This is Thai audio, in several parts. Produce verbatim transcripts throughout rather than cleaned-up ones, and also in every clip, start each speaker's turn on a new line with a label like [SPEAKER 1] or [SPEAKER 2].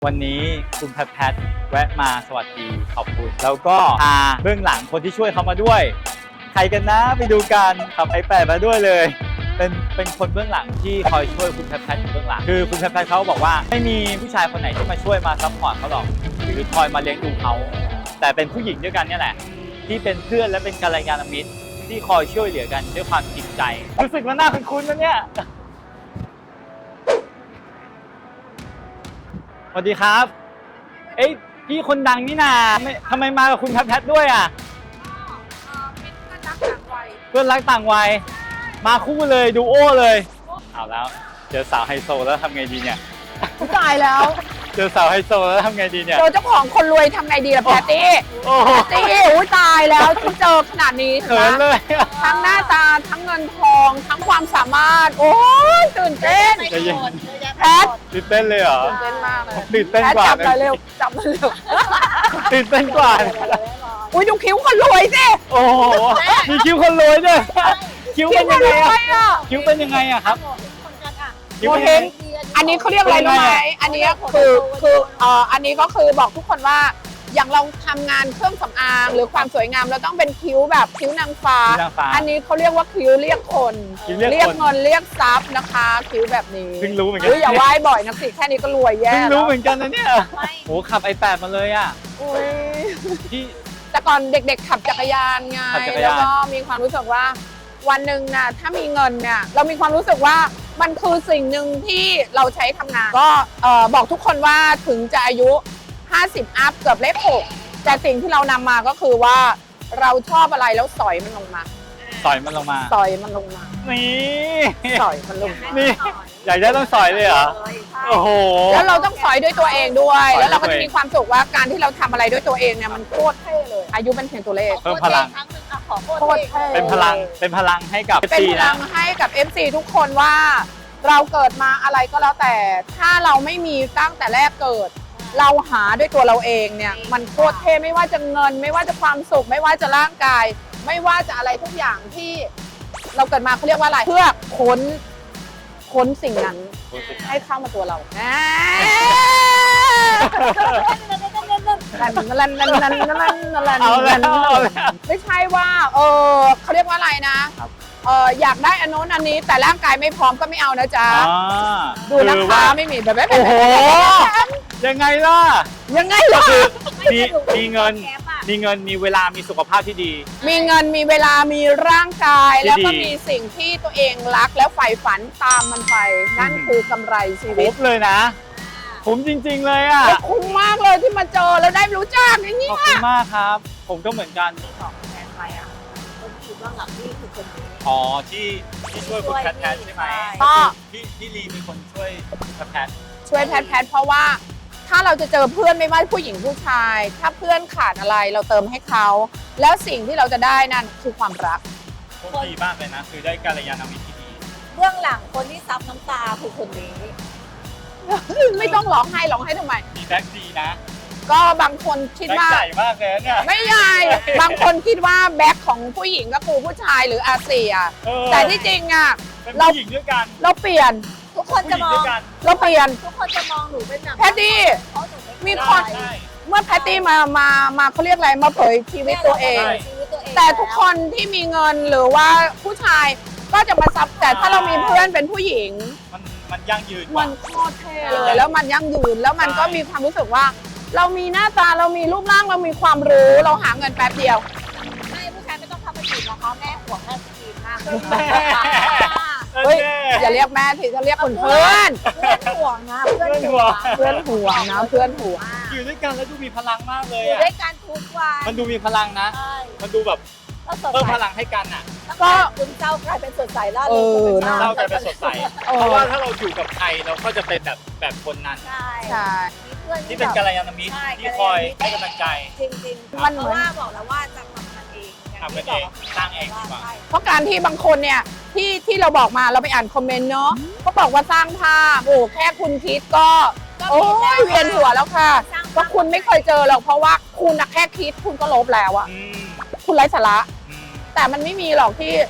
[SPEAKER 1] วันนี้คุณแพทแพทแวะมาสวัสดีขอบคุณแล้วก็พาเบื้องหลังคนที่ช่วยเขามาด้วยใครกันนะไปดูกันขับไอแปดมาด้วยเลยเป็นเป็นคนเบื้องหลังที่คอยช่วยคุณแพทแพทอยู่เบื้องหลังคือคุณแพทแพทเขาบอกว่าไม่มีผู้ชายคนไหนที่มาช่วยมาซัพพอร์ตเขาหรอกหรือคอยมาเลี้ยงดูเขาแต่เป็นผู้หญิงด้วยกันนี่แหละที่เป็นเพื่อนและเป็นกัลยาณมิตรที่คอยช่วยเหลือกันด้วยความจริงใจรู้สึกว่าหน้าเป็นคุณนะเนี่ยสวัสดีครับเอ้ยพี่คนดังนี่นาทำไมมากับคุณแพทแพทด้วยอ่ะเพื่อนรักต่างวัยมาคู่เลยดูโอ้เลยเอาแล้วเจอสาวไฮโซแล้วทำไงดีเนี่ย
[SPEAKER 2] ตายแล้ว
[SPEAKER 1] เจอสาวไฮโซแล้วทำไงดีเนี่ย
[SPEAKER 2] เจอเจ้าของคนรวยทำไงดีล่ะแพตตี้แพตตี้อุ้ยตายแล้วที่เจอขนาดนี้
[SPEAKER 1] เขินเลย
[SPEAKER 2] ทั้งหน้าตาทั้งเงินทองทั้งความสามารถโอ้ยตื่นเต้นแพท
[SPEAKER 1] ตื่นเต้นเลยเหรอ
[SPEAKER 2] ตื่นเต้นมากเลย
[SPEAKER 1] ตื่นเต้นกว่า
[SPEAKER 2] จับเลยเร็วจับเลยเร็ว
[SPEAKER 1] ตื่นเต้นกว่า
[SPEAKER 2] อุ้ยดูคิ้วคนรวยสิ
[SPEAKER 1] โอ้โหมีคิ้วคนรวยด้วยคิ้วเป็นยังไงอ่ะคิ้วเป็นยังไงอ่ะครับ
[SPEAKER 2] คิ้วเฮงอันนี้เขาเรียกอะไรรู้ไหมอันนี้คือคือเอ่ออันนี้ก็คือบอกทุกคนว่าอย่างเราทำงานเครื่องสำอางหรือความสวยงามเราต้องเป็นคิ้วแบบคิ้วนางฟ้าอันนี้เขาเรียกว่าคิ้วเรียกคนเรียกเงินเรียกทรัพย์นะคะคิ้วแบบนี้
[SPEAKER 1] เพิ่งรู้เหมือนกัน
[SPEAKER 2] อย่าไหว้บ่อยนะสิแค่นี้ก็รวยแย่
[SPEAKER 1] เพิ่งรู้เหมือนกันนะเนี่ยโอ้ขับไอแปดมาเลยอ่ะ
[SPEAKER 2] ที่แต่ก่อนเด็กๆขับจักรยานไงแล้วก็มีความรู้สึกว่าวันหนึ่งนะถ้ามีเงินเนี่ยเรามีความรู้สึกว่ามันคือสิ่งหนึ่งที่เราใช้ทำงานก็บอกทุกคนว่าถึงจะอายุห้าสิบอัพเกือบเลขหกแต่สิ่งที่เรานำมาก็คือว่าเราชอบอะไรแล้วสอยมันลงมา
[SPEAKER 1] สอยมันลงมา
[SPEAKER 2] สอยมันลงมา
[SPEAKER 1] นี่
[SPEAKER 2] สอยมันลงมา
[SPEAKER 1] นี่อยากได้ต้องสอยเลยเหรอโอ้โห
[SPEAKER 2] แล้วเราต้องสอยด้วยตัวเองด้วยแล้วเราก็จะมีความสุขว่าการที่เราทำอะไรด้วยตัวเองเนี่ยมันโคตรเท่เลยอายุเป็นเพียงตัวเลข
[SPEAKER 1] เพิ่มพลัง
[SPEAKER 2] โคตรเท่
[SPEAKER 1] เป็นพลังเป็นพลังให้กับ
[SPEAKER 2] เป็นพลังให้กับ เอฟ ซี ทุกคนว่าเราเกิดมาอะไรก็แล้วแต่ถ้าเราไม่มีตั้งแต่แรกเกิดเราหาด้วยตัวเราเองเนี่ยมันโคตรเท่ไม่ว่าจะเงินไม่ว่าจะความสุขไม่ว่าจะร่างกายไม่ว่าจะอะไรทุกอย่างที่เราเกิดมาเขาเรียกว่าอะไรเพื่อค้นค้นสิ่งนั้นให้เข้ามาตัวเราลันลันลันลันลันลันลันไม่ใช่ว่าเออเขาเรียกว่าอะไรนะเอออยากได้อันโน้นอันนี้แต่ร่างกายไม่พร้อมก็ไม่เอานะจ๊ะดูนะคะไม่มีแบบแบบโอ้โห
[SPEAKER 1] ยังไงล่ะ
[SPEAKER 2] ยังไงล่ะ
[SPEAKER 1] มีมีเงินมีเงินมีเวลามีสุขภาพที่ดี
[SPEAKER 2] มีเงินมีเวลามีร่างกายแล้วก็มีสิ่งที่ตัวเองรักแล้วใฝ่ฝันตามมันไปนั่นคือกำไรชีวิต
[SPEAKER 1] คุ้มเลยนะคุ้มจริงๆเลยอ่ะ
[SPEAKER 2] คุ้มมากเลยที่มาเจอแล้วได้รู้จักอย่างนี้
[SPEAKER 1] ขอบคุณมากครับผมก็เหมือนกัน
[SPEAKER 3] ของแทนไปอ่ะคนที่อยู่เบื้องหลังนี่คือคนนี้
[SPEAKER 1] อ๋อที่ที่ช่วยคุณแพทแพทใช่ไหม
[SPEAKER 2] ก็
[SPEAKER 1] พี่พี่ลีมีคนช่วยแพทแพท
[SPEAKER 2] ช่วยแพทแพทเพราะว่าถ้าเราจะเจอเพื่อนไม่ว่าผู้หญิงผู้ชายถ้าเพื่อนขาดอะไรเราเติมให้เขาแล้วสิ่งที่เราจะได้นั่นคือความรัก
[SPEAKER 1] โคตรดีมากเลยนะคือได้กัลยาณมิตรที่ดี
[SPEAKER 3] เบื้องหลังคนที่ซับน้ำตาคือคนนี้
[SPEAKER 2] ไม่ต้องร้องไห้ร้องไห้ทำไม
[SPEAKER 1] มีแบ็คดีนะ
[SPEAKER 2] ก็บางคนคิดว่า
[SPEAKER 1] ใหญ่มากเลยเนี่ย
[SPEAKER 2] ไม่ใหญ่บางคนคิดว่าแบ็คของผู้หญิงก็คือผู้ชายหรืออาเซียแต่ที่จริงอ่ะ
[SPEAKER 1] เราผู้หญิงด้วยกัน
[SPEAKER 2] เราเปลี่ยน
[SPEAKER 3] ทุกคนจะมอง
[SPEAKER 2] เราเปลี่ยน
[SPEAKER 3] ทุกคนจะมองหนูเป็นแบบ
[SPEAKER 2] แพตตี้มีคนเมื่อแพตตี้มามามาเขาเรียกอะไรมาเผยชีวิตตัวเองแต่ทุกคนที่มีเงินหรือว่าผู้ชายก็จะมาซับแต่ถ้าเรามีเพื่อนเป็นผู้หญิง
[SPEAKER 1] มันมันยั่งยืน
[SPEAKER 2] มันโคตรเท่เลยแล้วมันยั่งยืนแล้วมันก็มีความรู้สึกว่าเรามีหน้าตาเรามีรูปร่างเรามีความรู้เราหาเงินแป๊บเดียว
[SPEAKER 3] ไม่ผู้ชายไม่ต้องทำมาจีบนะคะแม่ห่วงแม่จีบมาก
[SPEAKER 2] เฮ้ยอย่าเรียกแม่ทีจะเรียกคนเพื่อน
[SPEAKER 3] เพื่อนห่วงนะเพื่อนห่วง
[SPEAKER 2] เพื่อนห่วงนะเพื่อนห่วง
[SPEAKER 1] อยู่ด้วยกันแล้วดูมีพลังมากเลย
[SPEAKER 3] อยู่ด้วยกันทุกวัน
[SPEAKER 1] มันดูมีพลังนะมันดูแบบเพิ่มพลังให้กันอ่ะ
[SPEAKER 3] ก็คุณเจ้ากลายเป็นสดใสแล้วเอ
[SPEAKER 2] อ
[SPEAKER 1] เจ้ากลายเป็นสดใสเพราะว่าถ้าเราอยู่กับใครเราก็จะเป็นแบบแบบคนนั้น
[SPEAKER 3] ใช่
[SPEAKER 2] ใช่
[SPEAKER 1] ที่เป็นกัลยาณมิตรที่คอยให้กำลังใจ
[SPEAKER 3] จริงๆมันเพราะว่าบอกแล้วว่าจะทำกันเอง
[SPEAKER 1] ทำกันเองสร้างเองดีกว่า
[SPEAKER 2] เพราะการที่บางคนเนี่ยที่ที่เราบอกมาเราไปอ่านคอมเมนต์เนาะก็บอกว่าสร้างภาพโอ้แค่คุณคิดก็โอ้ยเวียนหัวแล้วค่ะเพราะคุณไม่เคยเจอหรอกเพราะว่าคุณแค่คิดคุณก็ลบแล้วอะคุณไร้สาระแต่มันไม่มีหรอกที่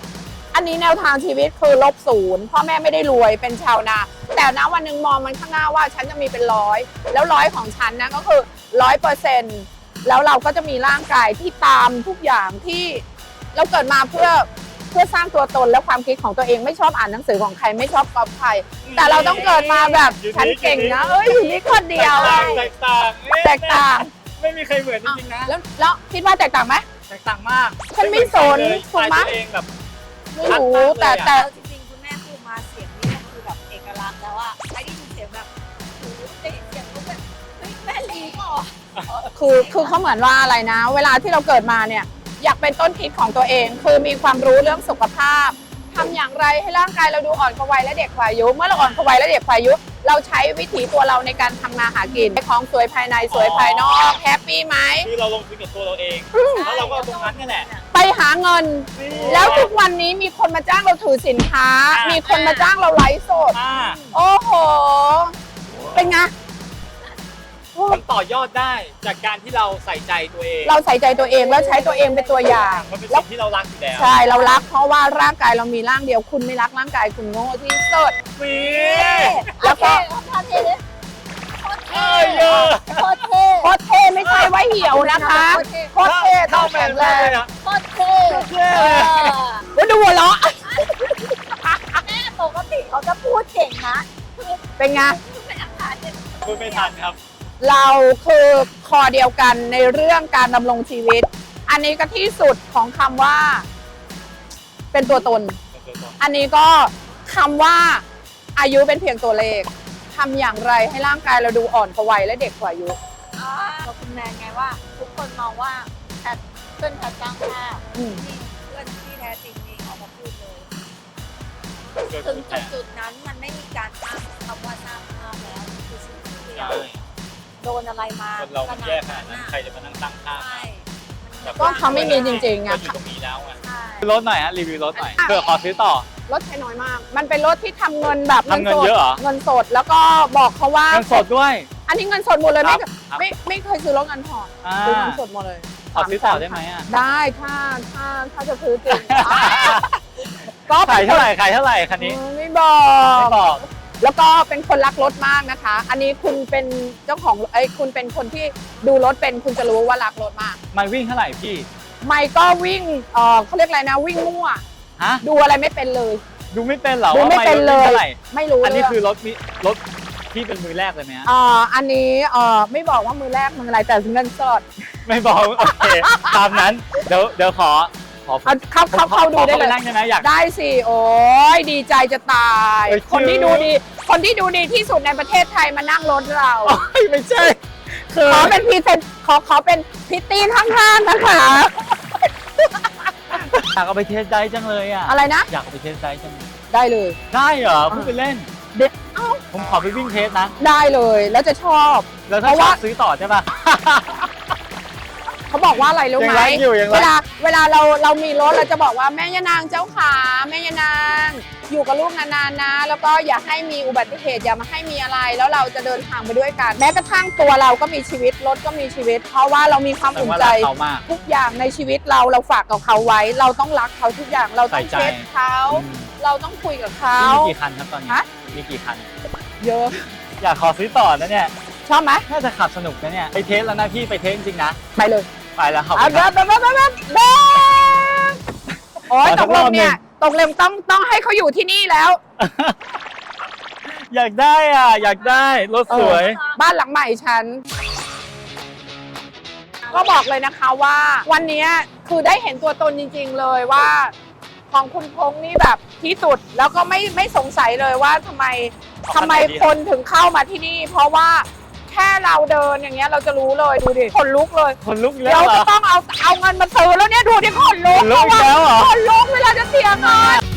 [SPEAKER 2] อันนี้แนวทางชีวิตคือลบศูนย์พ่อแม่ไม่ได้รวยเป็นชาวนา แต่นะวันหนึ่งมองมันข้างหน้าว่าฉันจะมีเป็นร้อยแล้วร้อยของฉันนะก็คือร้อยเปอร์เซ็นต์แล้วเราก็จะมีร่างกายที่ตามทุกอย่างที่เราเกิดมาเพื่อเพื่อสร้างตัวตนและความคิดของตัวเองไม่ชอบอ่านหนังสือของใครไม่ชอบก๊อปใครแต่เราต้องเกิดมาแบบฉันเก่งนะเอ้ยอยู่นี่คนเดียว
[SPEAKER 1] แตกต่าง
[SPEAKER 2] แตกต่าง
[SPEAKER 1] ไม่มีใครเหมือนจริงๆนะ
[SPEAKER 2] แล้วแล้วคิดว่าแตกต่างไหม
[SPEAKER 1] แตกต่างมาก
[SPEAKER 2] ฉันไม่สน
[SPEAKER 1] ถูกไหม
[SPEAKER 2] ถูกไหม
[SPEAKER 1] ตัวเองแบบ
[SPEAKER 2] ไม่รู้แต่แต่
[SPEAKER 3] แล้วจริงๆคุณแม่พูดมาเสียงนี่ก็คือแบบเอกลักษณ์แล้วอะใครได้ยินเสียงแบบโอ้โหได้ยินเสียงปุ๊บแบบเฮ้ยแม่ลีก็
[SPEAKER 2] คือคือเขาเหมือนว่าอะไรนะ เวลาที่เราเกิดมาเนี่ยอยากเป็นต้นคิดของตัวเอง คือมีความรู้เรื่องสุขภาพทำอย่างไรให้ร่างกายเราดูอ่อนกว่าวัยและเด็กกว่าอายุเมื่อเราอ่อนกว่าวัยและเด็กกว่าอายุเราใช้วิถีตัวเราในการทำมาหากินของสวยภายในสวยภายนอกแฮปปี้ไหม
[SPEAKER 1] คือเราลงทุนกับตัวเราเอง แล้วเราก็เอาตรงนั้นนี่แหละ
[SPEAKER 2] ไปหาเงิน แล้วทุกวันนี้มีคนมาจ้างเราถือสินค้า
[SPEAKER 1] อ่ามี
[SPEAKER 2] มีคนมาจ้างเราไลฟ์สด
[SPEAKER 1] อ่า
[SPEAKER 2] โอ้โหเป็นไง
[SPEAKER 1] มันต่อยอดได้จากการที่เราใส่ใจตัวเอง
[SPEAKER 2] เราใส่ใจตัวเองแล้วใช้ตัวเองเป็นตัวอย่าง
[SPEAKER 1] มันเป็น
[SPEAKER 2] แล้ว
[SPEAKER 1] สิ่งที่เรารักอยู่แล้ว
[SPEAKER 2] ใช่เรารักเพราะว่าร่างกายเรามีร่างเดียวคุณไม่รักร่างกายคุณโง่ที่สุด
[SPEAKER 1] มี
[SPEAKER 2] แล้วก็
[SPEAKER 3] โอเคทำเท่เลยโคตร
[SPEAKER 1] เอ้
[SPEAKER 3] เท่
[SPEAKER 1] ยเยอะ
[SPEAKER 3] โคตรเท่
[SPEAKER 2] โคตรเท่ไม่ใช่ว่าเหี่ยวนะคะโคตรเท่ต้องแข็งแรง
[SPEAKER 3] โคตรเท่
[SPEAKER 1] เท่
[SPEAKER 3] เออ
[SPEAKER 2] ว่าดูหัวเราะ
[SPEAKER 3] แม่ปกติเขาจะพูดเก่งนะคือ
[SPEAKER 2] เป็นไง
[SPEAKER 3] เป็นอาหารเนี่ย
[SPEAKER 1] พูดไม่ทันครับ
[SPEAKER 2] เราคือคอเดียวกันในเรื่องการดำรงชีวิต อันนี้ก็ที่สุดของคำว่า เป็นตัวตน อันนี้ก็คำว่าอายุเป็นเพียงตัวเลขทำอย่างไรให้ร่างกายเราดูอ่อนกว่าวัยและเด็กกว่าอายุ
[SPEAKER 3] อ๋อเราคุณแมนไงว่า ทุกคนมองว่าแพทเพื่อนแพทจ้างภาพ
[SPEAKER 2] อืม
[SPEAKER 3] นี่เพื่อนที่แท้จริงนี่ออกมาพูดเลย
[SPEAKER 1] เกิด
[SPEAKER 3] ถึง
[SPEAKER 1] ขึ้น
[SPEAKER 3] จุดจุดๆนั้นมันไม่มีการอ้างคำว่าสร้างภาพแล้วมันคือสิ่งที่เดีย
[SPEAKER 1] ใช่
[SPEAKER 3] วโดนอะไรมา
[SPEAKER 1] คนเรามันแย่ขนาดนั้น
[SPEAKER 3] อะ
[SPEAKER 1] ใครจะมานั่งตั้งค่า
[SPEAKER 3] ใช่
[SPEAKER 2] ก็เขาไม่มีจริงๆ
[SPEAKER 1] ก็
[SPEAKER 2] อะ
[SPEAKER 1] อยู่ตรงนี้แล้วไง
[SPEAKER 3] ใช่
[SPEAKER 1] รถหน่อยฮะรีวิวรถหน่อยเผื่อขอซื้อต่อ
[SPEAKER 2] รถใช้น้อยมาก มันเป็นรถที่ทำเงินแบบ
[SPEAKER 1] ทำเงินเยอะเหรอ
[SPEAKER 2] เงินสดแล้วก็บอกเขาว่า
[SPEAKER 1] เงินสดด้วย
[SPEAKER 2] อันนี้เงินสดหมดเลย
[SPEAKER 1] ครั
[SPEAKER 2] ไม่
[SPEAKER 1] บครับ
[SPEAKER 2] ไม่ไม่เคยซื้อรถเงินผ่อน
[SPEAKER 1] อ่า
[SPEAKER 2] ซื้อเงินสดหมดเลย
[SPEAKER 1] ขอซื้อต่อได้ไหมอ่ะ
[SPEAKER 2] ได้ถ้าถ้าถ้าจะซื้อจริง ก็
[SPEAKER 1] ขายเท่าไหร่ขายเท่าไหร่คันนี้
[SPEAKER 2] อืมไม่บอ
[SPEAKER 1] ไม่
[SPEAKER 2] ก
[SPEAKER 1] บอก
[SPEAKER 2] แล้วก็เป็นคนรักรถมากนะคะ อันนี้คุณเป็นเจ้าของไอ้ยคุณเป็นคนที่ดูรถเป็นคุณจะรู้ว่ารักรถมาก
[SPEAKER 1] มันวิ่งเท่าไหร่พี่
[SPEAKER 2] ไม่ก็วิ่งเออเขาเรียกอะไรนะวิ่งมั่ว
[SPEAKER 1] ฮะ
[SPEAKER 2] ดูอะไรไม่เป็นเลย
[SPEAKER 1] ดูไม่เป็นเหรอ
[SPEAKER 2] ดูไม่
[SPEAKER 1] ว่า
[SPEAKER 2] เป็นเล
[SPEAKER 1] วิ่ง
[SPEAKER 2] ย
[SPEAKER 1] เท่าไหร่
[SPEAKER 2] ไม่รู้
[SPEAKER 1] อันนี้
[SPEAKER 2] เรื่อง
[SPEAKER 1] คือรถมิรถที่เป็นมือแรกเลยไหมฮะ
[SPEAKER 2] อ่าอันนี้เออไม่บอกว่ามือแรกมืออะไรแต่เงินสด
[SPEAKER 1] ไม่บอกโอเคตามนั้นเดี๋ยวเดี๋ยวขอขอ
[SPEAKER 2] เอาเข้าเข้าเข้าดูได้
[SPEAKER 1] ขอ
[SPEAKER 2] เลย
[SPEAKER 1] ปนั่งได้ไหมอยาก
[SPEAKER 2] ได้สิโอ้ยดีใจจะตาย
[SPEAKER 1] เอ้ย
[SPEAKER 2] คนที่ดูดี คนที่ดูดีที่สุดในประเทศไทยมานั่งรถเรา
[SPEAKER 1] โอ้ยไม่ใช่คือ
[SPEAKER 2] ขอเป็นพรีเซนขอขอเป็นพิตตี้ข้างๆนะคะ
[SPEAKER 1] อยากเอาไปเทสได้จังเลยอ่ะ
[SPEAKER 2] อะไรนะ
[SPEAKER 1] อยากเอาไปเทสได้จังเลย
[SPEAKER 2] ได้เลย
[SPEAKER 1] ได้เหรอพูดไปเล่น
[SPEAKER 2] เด็ดเอ้า
[SPEAKER 1] ผมขอไปวิ่งเทสนะ
[SPEAKER 2] ได้เลยแล้วจะชอบ
[SPEAKER 1] แล้ว
[SPEAKER 2] เพ
[SPEAKER 1] ถ้า
[SPEAKER 2] ราะ
[SPEAKER 1] ชอ
[SPEAKER 2] ว่า
[SPEAKER 1] บซื้อต่อใช่ปะ
[SPEAKER 2] เขาบอกว่าอะไรรู้
[SPEAKER 1] ยัง
[SPEAKER 2] ไหม
[SPEAKER 1] รักอยู่ยังรัก
[SPEAKER 2] เวลาเวลาเราเรามีรถเราจะบอกว่าแม่ยานางเจ้าขาแม่ยานางอยู่กับลูกนานๆนะ แล้วก็อย่าให้มีอุบัติเหตุอย่ามาให้มีอะไร แล้วเราจะเดินทางไปด้วยกัน แม้กระทั่งตัวเราก็มีชีวิตรถก็มีชีวิต เพราะว่าเรามีความ
[SPEAKER 1] แต่
[SPEAKER 2] อุ่น
[SPEAKER 1] ว่า
[SPEAKER 2] ใจ
[SPEAKER 1] รักเขามาก
[SPEAKER 2] ทุกอย่างในชีวิตเราเราฝากกับเขาไว้ เราต้องรักเขาทุกอย่างเราต้อง
[SPEAKER 1] ใส่ใจ
[SPEAKER 2] เช็ดเขา
[SPEAKER 1] อืม
[SPEAKER 2] เราต้องคุยกับเขา
[SPEAKER 1] มีกี่คันครับตอนนี้
[SPEAKER 2] ฮะ
[SPEAKER 1] มีกี่คัน
[SPEAKER 2] เยอะ
[SPEAKER 1] อยากขอซื้อต่อนะเนี่ย
[SPEAKER 2] ชอบไหม
[SPEAKER 1] น่าจะขับสนุกนะเนี่ย ไปเทสแล้วนะพี่ไปเทสจริงๆนะ
[SPEAKER 2] ไปเลย
[SPEAKER 1] ไปแล้วครับ
[SPEAKER 2] เอาเดินเดินเดินเดินเดินเดินโอ้ย
[SPEAKER 1] ขอ
[SPEAKER 2] ต
[SPEAKER 1] สั
[SPEAKER 2] ก
[SPEAKER 1] ก
[SPEAKER 2] ล
[SPEAKER 1] รอง บหนึ่ง
[SPEAKER 2] เนี่ยตกลงต้องต้องให้เขาอยู่ที่นี่แล้ว
[SPEAKER 1] อยากได้อ่ะ อยากได้ รถสวย
[SPEAKER 2] บ้านหลังใหม่ฉัน ก็บอกเลยนะคะว่า วันนี้คือได้เห็นตัวตนจริงๆเลยว่า ของคุณพงษ์นี่แบบที่สุดแล้วก็ไม่ไม่สงสัยเลยว่าทำไม
[SPEAKER 1] เอา
[SPEAKER 2] ทำไม
[SPEAKER 1] ขนาดนี้
[SPEAKER 2] คนถึงเข้ามาที่นี่ เพราะว่าแค่เราเดินอย่างเงี้ยเราจะรู้เลยดูดิขนลุกเลย
[SPEAKER 1] คนลุกอีกแล้
[SPEAKER 2] เดี๋ยว ว
[SPEAKER 1] เหร
[SPEAKER 2] จะ
[SPEAKER 1] อ
[SPEAKER 2] ต้องเอาเอาเงินมาซื้อแล้วเนี่ยดูดิขนลุก
[SPEAKER 1] ขนลุกอีกแล้วเหรอ
[SPEAKER 2] ขนลุกเวลาจะเสียเงิน